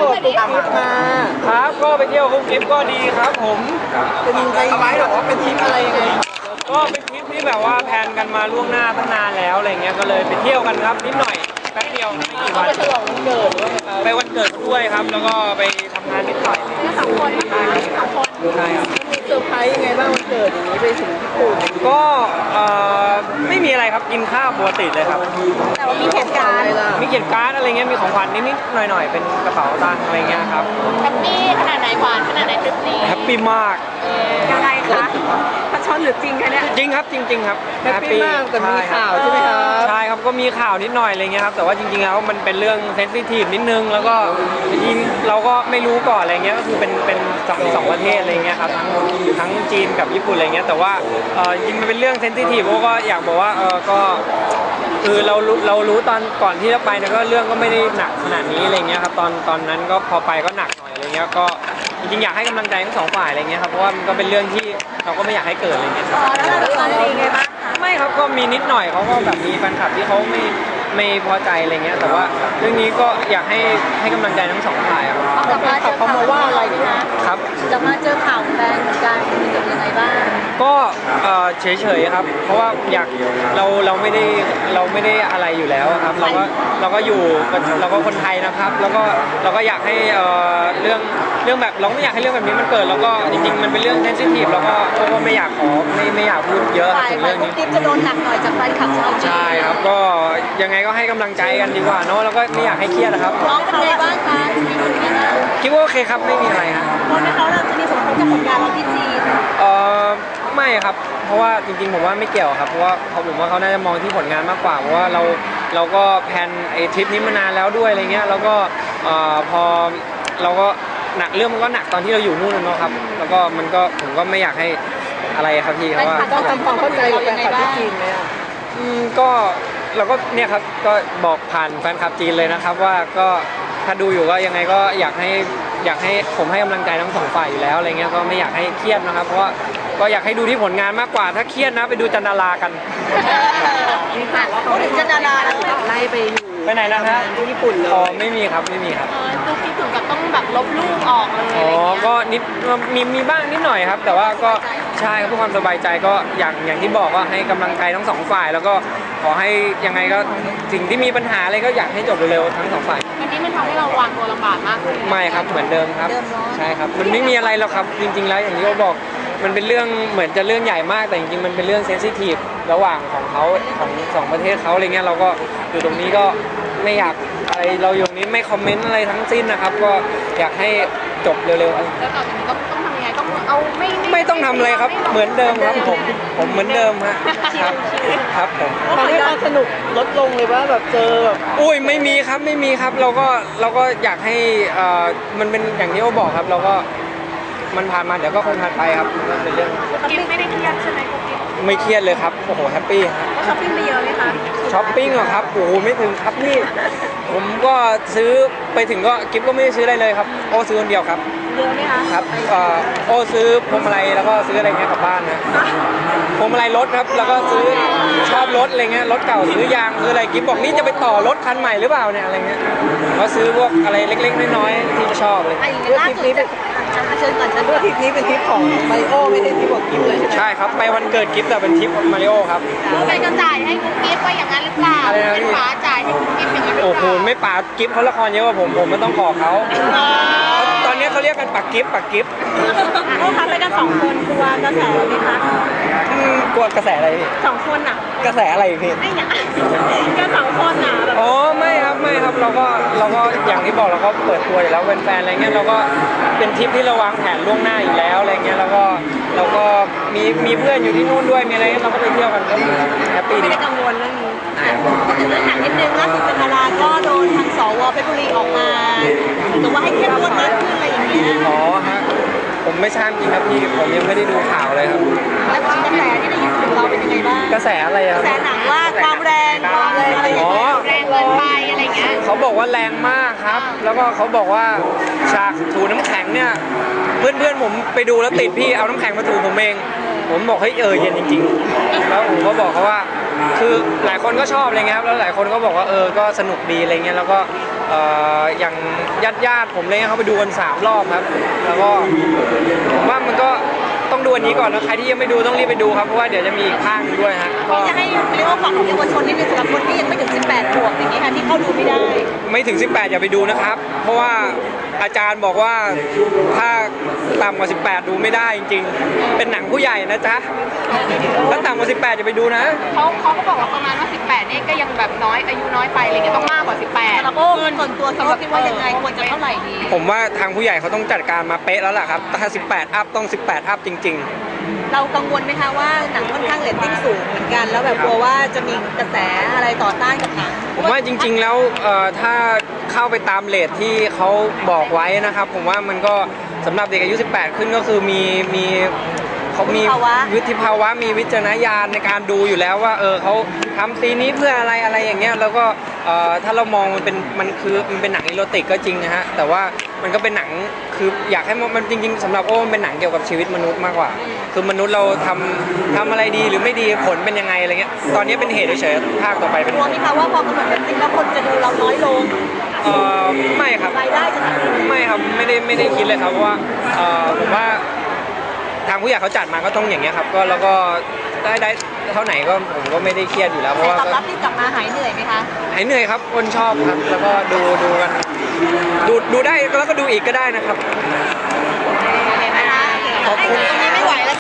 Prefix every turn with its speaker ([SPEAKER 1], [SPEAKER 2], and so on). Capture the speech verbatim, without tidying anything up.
[SPEAKER 1] ตุ๊กกิ๊บมา
[SPEAKER 2] ครับก็ไปเที่ยวกุ๊กกิ๊บก็ดีครับผม
[SPEAKER 1] เป็นยังไงหรอเป็นทริปอะไรยังไง
[SPEAKER 2] ก็เป็นทริปที่แบบว่าแพลนกันมาล่วงหน้าตั้งนานแล้วอะไรเงี้ยก็เลยไปเที่ยวกันครับนิดหน่อยแป๊บเดียวไม่กี่วัน
[SPEAKER 1] ไปฉลองวันเกิด
[SPEAKER 2] ไปวันเกิดด้วยครับแล้วก็ไปทำงานนิดหน่อย
[SPEAKER 3] สองคนนะคะสองคน
[SPEAKER 2] ใช่ครับ
[SPEAKER 1] มีเซอร์ไพรส์ยังไงบ้างวันเกิดอย่างนี้ไปถึงญี่ปุ่น
[SPEAKER 2] ก็ไม่มีอะไรครับกินข้าวปกติเลยครับ
[SPEAKER 3] แต่ว่ามีเหตุการณ์
[SPEAKER 2] มีเขียนการ์ดอะไรเงี้ยมีของขวัญนิดๆหน่อยๆเป็นกระเป๋าตังค์อะไรเงี้ยครับ
[SPEAKER 3] แฮปปี้ขนาดไหนหวานขนาดไหนทริปนี้
[SPEAKER 2] แฮปปี้มาก
[SPEAKER 3] ยังไงคะพัชชนหรือจริงคะเนี่ย
[SPEAKER 2] จริงครับจริงๆครับ
[SPEAKER 1] แฮปปี้มากแต่มีข่าวใช่ไหมครับ
[SPEAKER 2] ใช่ครับก็มีข่าวนิดหน่อยอะไรเงี้ยครับแต่ว่าจริงๆแล้วมันเป็นเรื่องเซนซิทีฟนิดนึงแล้วก็จริงเราก็ไม่รู้ก่อนอะไรเงี้ยก็คือเป็นเป็นสองสองประเทศอะไรเงี้ยครับทั้งทั้งจีนกับญี่ปุ่นอะไรเงี้ยแต่ว่าจริงมันเป็นเรื่องเซนซิทีฟก็อยากบอกว่าเออก็คือเราเรารู้ตอนก่อนที่จะไปนะก็เรื่องก็ไม่ได้หนักขนาดนี้อะไรเงี้ยครับตอนตอนนั้นก็พอไปก็หนักหน่อยอะไรเงี้ยก็จริงๆอยากให้กำลังใจทั้งสองฝ่ายอะไรเงี้ยครับเพราะว่ามันก็เป็นเรื่องที่เราก็ไม่อยากให้เกิดอะไรเงี้ย
[SPEAKER 3] อ๋อแล้วเราดูตอนนี้ไงบ้าง
[SPEAKER 2] ไม่ครับก็มีนิดหน่อยเขาก็แบบมีแฟนคลับที่เขาไม่ไม่พอใจอะไรเงี้ยแต่ว่าเรื่องนี้ก็อยากให้ให้กำลังใจทั้งสองฝ่ายครับ
[SPEAKER 3] กลับมาเจอข่าว
[SPEAKER 1] มาว่าอะไร
[SPEAKER 2] ครับ
[SPEAKER 3] จะมาเจอข่าวแฟนเหมือนกันมีสึกยังไงบ้าง
[SPEAKER 2] ก็เฉยๆครับเพราะว่าอยากเราเราไม่ได้เราไม่ได้อะไรอยู่แล้วครับเราก็เราก็อยู่เราก็คนไทยนะครับแล้วก็เราก็อยากให้เรื่องเรื่องแบบเราไม่อยากให้เรื่องแบบนี้มันเกิดแล้วก็จริงๆมันเป็นเรื่องเซนซิทีฟแล้วก็ก็ไม่อยากขอไม่ไม่อยากพูดเยอะถึงเรื่องนี้
[SPEAKER 3] กิ๊บจะโดนหนักหน่อยจากแฟนคลับชาวจีน
[SPEAKER 2] ใช่ครับก็ยังไงก็ให้กำลังใจกันดีกว่าเนาะแล้วก็ไม่อยากให้เครียดนะครับ
[SPEAKER 3] น้องเป็นไงบ้างคะมีผลงาน
[SPEAKER 2] คิดว่าโอเคครับไม่มีอะไรฮะ
[SPEAKER 3] เพราะเขาเราจะมีผลกระทบกับผลงานเราที่จีน
[SPEAKER 2] เออไม่ครับเพราะว่าจริงๆผมว่าไม่เกี่ยวครับเพราะว่าเขาผมว่าเขาน่าจะมองที่ผลงานมากกว่าเพราะว่าเราเราก็แพลนไอ้ทริปนี้มานานแล้วด้วยอะไรเงี้ยแล้วก็พอเราก็หนักเรื่องมันก็หนักตอนที่เราอยู่นู่นเนาะครับแล้วก็มันก็ผมก็ไม่อยากให้อะไรครับพี่เพราะว่า
[SPEAKER 1] ต้องทำความเข้าใจกับแฟนคลับที่จีนไหมอ่ะ
[SPEAKER 2] อืมก็เราก็เนี่ยครับก็บอกผ่านแฟนคลับจีนเลยนะครับว่าก็ถ้าดูอยู่ก็ยังไงก็อยากให้อยากให้ผมให้กำลังใจทั้งสองฝ่ายอยู่แล้วอะไรเงี้ยก็ไม่อยากให้เครียดนะครับเพราะว่าก็อยากให้ดูที่ผลงานมากกว่าถ้าเครียดนะไปดูจันดารากัน
[SPEAKER 3] พูดถึงจันดาราแล้ว
[SPEAKER 1] ไล่ไปอยู่
[SPEAKER 2] ไปไหนนะฮะ
[SPEAKER 1] ญี่ปุ่นเลย
[SPEAKER 2] อ๋อไม่มีครับไม่มีครับ
[SPEAKER 3] ดูคิดถึงกับต้องแบบลบรูปออกเลย
[SPEAKER 2] อ๋อก็นิดมีมีบ้างนิดหน่อยครับแต่ว่าก็ใช่เพื่อความสบายใจก็อย่างอย่างที่บอกว่าให้กำลังใจทั้งสองฝ่ายแล้วก็ขอให้ยังไงก็สิ่งที่มีปัญหาอะไรก็อยากให้จบเร็วๆทั้งสองฝ่าย
[SPEAKER 3] อันนี้มันทำให้เราวางตัวลำบากมากเลย
[SPEAKER 2] ไม่ครับเหมือนเดิมครับใช่ครับมันไม่มีอะไรหรอกครับจริงๆแล้วอย่างที่เขาบอกมันเป็นเรื่องเหมือนจะเรื่องใหญ่มากแต่จริงๆมันเป็นเรื่องเซนซิทีฟระหว่างของเขาของสองประเทศเขาอะไรเงี้ยเราก็อยู่ตรงนี้ก็ไม่อยากอะไรเราอยู่นี้ไม่คอมเมนต์อะไรทั้งสิ้นนะครับก็อยากให้จบเร็วๆแล้ว
[SPEAKER 3] ต่อจากนี้ต้องต้องทำยังไงต้องเอาไม่
[SPEAKER 2] ไม่ต้องทำอะไรครับเหมือนเดิมครับผมผมเหมือนเดิมฮะครับครับผม
[SPEAKER 1] ตอนนี้ความสนุกลดลงเลยว่าแบบเจอแบบ
[SPEAKER 2] อุ้ยไม่มีครับไม่มีครับเราก็เราก็อยากให้อ่ามันเป็นอย่างที่เขาบอกครับเราก็มันผ่านมาเดี๋ยวก็คงผ่านไปครับนั่นเป็นเรื่อง
[SPEAKER 3] กิ๊บไม่ได้เครียดใช่ไหมกิ๊บ
[SPEAKER 2] ไม่เครียดเลยครับโอ้โหแฮปปี้
[SPEAKER 3] ครับช้อปปิ้งไปเยอะไหมคะ
[SPEAKER 2] ช้อปปิ้งเหรอครับโอ้โหไม่ถึงครับนี่ผมก็ซื้อไปถึงก็กิ๊บก็ไม่ได้ซื้ออะไรเลยครับโอ้ซื้อคนเดียวครับ
[SPEAKER 3] เยอะไหมคะ
[SPEAKER 2] ครับโอ้ซื้อพวงมาลัยแล้วก็ซื้ออะไรเงี้ยกลับบ้านนะพวงมาลัยรถครับแล้วก็ซื้อชอบรถอะไรเงี้ยรถเก่าซื้อยางซื้ออะไรกิ๊บบอกนี่จะไปต่อรถคันใหม่หรือเปล่าเนี่ยอะไรเงี้ยก็ซื้อพวกอะไรเล็กๆน้อยๆที่ชอบเลย
[SPEAKER 3] ล่าสุดนี้เป็นเชิญก่อนเชิญ
[SPEAKER 1] ด้วยทริปนี้เป็นทริปของมาริโอไม่ใช่ทริปของกิ๊บเลย
[SPEAKER 2] ใช่ครับไปวันเกิดกิ๊บแต่เป็นทริปมาริโอครับ
[SPEAKER 3] เป็นกระจ่ายให้กุ๊กกิ๊บไปอย่างนั้นหรือเปล่าเป็นป๋าจ่ายให้กุ๊กกิ๊บอย่างนั้นหรือเปล่า
[SPEAKER 2] โอ้โหไม่ป๋ากิ๊บเขาละครเยอะกว่าผมผมไม่ต้องขอเขาตอนนี้เขาเรียกกันปักกิ๊บปักกิ๊บ
[SPEAKER 3] เขาทำไปกันสองคนกลัวกระแสไหมคะ
[SPEAKER 2] กลัวกระแสอะไรพี่
[SPEAKER 3] สองคนอ่ะ
[SPEAKER 2] กระแสอะไรพี่
[SPEAKER 3] ไม่เนี่ยก็สองคนอ่ะ
[SPEAKER 2] อ๋อไม่ครับไม่ครับเราก็เราก็อย่างที่บอกเราก็เปิดตัวอยู่แล้วเป็นแฟนอะไรเงี้ยเราก็เป็นทริปที่เราวางแผนล่วงหน้าอยู่แล้วอะไรเงี้ยเราก็เราก็มีมีเพื่อนอยู่ที่นู่นด้วยมีอะไรเราก็ไปเที่ยวกันก็แฮปปี้
[SPEAKER 3] ดีไม่ได้กังวลเรื่องนี้ถึงเรื่องหนังนิดนึงล่าสุดจันทราก็โดนทางสวเพชรบุรีออกมาถือว่าให้เข้มงวดมากขึ้นอะไรอย่างเงี้ย
[SPEAKER 2] อ๋อฮะผมไม่ทราบจริงครับพี่ผมยังไม่ได้ดูข่าวเลยครับ
[SPEAKER 3] แล้วกระแสที่ได้ยินถึงเราเป็นยังไงบ้าง
[SPEAKER 2] กระแสอะไรครับ
[SPEAKER 3] กระแสหนังว่าความแรงความแรงอะไรอย่างเงี้ยแรงเกินไปอะไรเงี้ย
[SPEAKER 2] เขาบอกว่าแรงมากครับแล้วก็เขาบอกว่าฉากถูน้ำแข็งเนี่ยเพื่อนเพื่อนผมไปดูแล้วติดพี่เอาน้ำแข็งมาถูผมเองผมบอกเฮ้ยเออเย็นจริงๆแล้วผมก็บอกเขาว่าคือหลายคนก็ชอบอะไรเงี้ยครับแล้วหลายคนก็บอกว่าเออก็สนุกดีอะไรเงี้ยแล้วก็อย่างญาติญาติผมเลยเขาไปดูกันสามรอบครับแล้วก็ผมว่ามันก็ต้องดูอันนี้ก่อนแล้วใครที่ยังไม่ดูต้องรีบไปดูครับเพราะว่าเดี๋ยวจะมีอีกข้างหนึ่งด้วยฮะก็
[SPEAKER 3] จะให้เรียกว่าฝากของเยาวชนนิดนึงสำหรับคนที่ยังไม่ถึงสิบแปดขวบอย่างนี้ค่ะที่เข้าดูไม่ได้
[SPEAKER 2] ไม่ถึงสิบแปดอย่าไปดูนะครับเพราะว่าอาจารย์บอกว่าถ้าต่ำกว่าสิบแปดดูไม่ได้จริงๆเป็นหนังผู้ใหญ่นะจ๊ะถ้าต่ำกว่าสิบแปดอย่าไปดูนะ
[SPEAKER 4] เขาเขาก็บอกว่าประมาณว่าสิบแปดนี่ก็ยังแบบน้อยอายุน้อยไปอะไรเงี้ยต้องมากกว่าสิบแปด
[SPEAKER 3] สำหรับโอ้ส่วนตัวสำหรับคิดว่ายังไงควรจะเท่าไหร่ดี
[SPEAKER 2] ผมว่าทางผู้ใหญ่เขาต้องจัดการมาเป๊ะแล้วล่ะครับถ้าสิบแปดอัพต้องสิบแปดอัพจริงๆ
[SPEAKER 3] เรากังวลไหมคะว่าหนังค่อนข้างเรตติ้งสูงเหมือนกันแล้วแบบกลัวว่าจะมีกระแสอะไรต่อต้านกับหนัง
[SPEAKER 2] ผมว่าจริงๆแล้วเอ่อถ้าเข้าไปตามเรทที่เขาบอกไว้นะครับผมว่ามันก็สำหรับเด็กอายุสิบแปดขึ้นก็คือมีมีเขามีวิธีภาวะมีวิจารณญาณในการดูอยู่แล้วว่าเออเขาทำซีนนี้เพื่ออะไรอะไรอย่างเงี้ยแล้วก็เอ่อถ้าเรามองมันเป็นมันคือมันเป็นหนังอีโรติกก็จริงนะฮะแต่ว่ามันก็เป็นหนังคืออยากให้มันจริงๆสำหรับโอ้มันเป็นหนังเกี่ยวกับชีวิตมนุษย์มากกว่าคือมนุษย์เราทำทำอะไรดีหรือไม่ดีผลเป็นยังไงอะไรเงี้ยตอนนี้เป็นเหตุเฉยๆภาคต่อไปเป็น
[SPEAKER 3] กลัวไหมคะว่าพอกำหนดเรตติ้งแล้วคนจะดูเราน้อยลง
[SPEAKER 2] เออไม่ครับ
[SPEAKER 3] รายได้จะหาย
[SPEAKER 2] ไม่ครับไม่ได้ไม่ได้คิดเลยครับเพราะว่าเออผมว่าทางผู้ใหญ่เขาจัดมาก็ต้องอย่างเงี้ยครับก็แล้วก็ได้ได้เท่าไหนก็ผมก็ไม่ได้เครียดอยู่แล้วเพราะว่า
[SPEAKER 3] ตอบรับที่กลับมาหายเหนื่อยไหมคะ
[SPEAKER 2] หายเหนื่อยครับคนชอบครับแล้วก็ดูดูกันดูดูได้แล้วก็ดูอีกก็ได้นะครับ
[SPEAKER 3] เห็นไหมคะ
[SPEAKER 2] ขอบคุณ
[SPEAKER 3] ให้ตรงนี้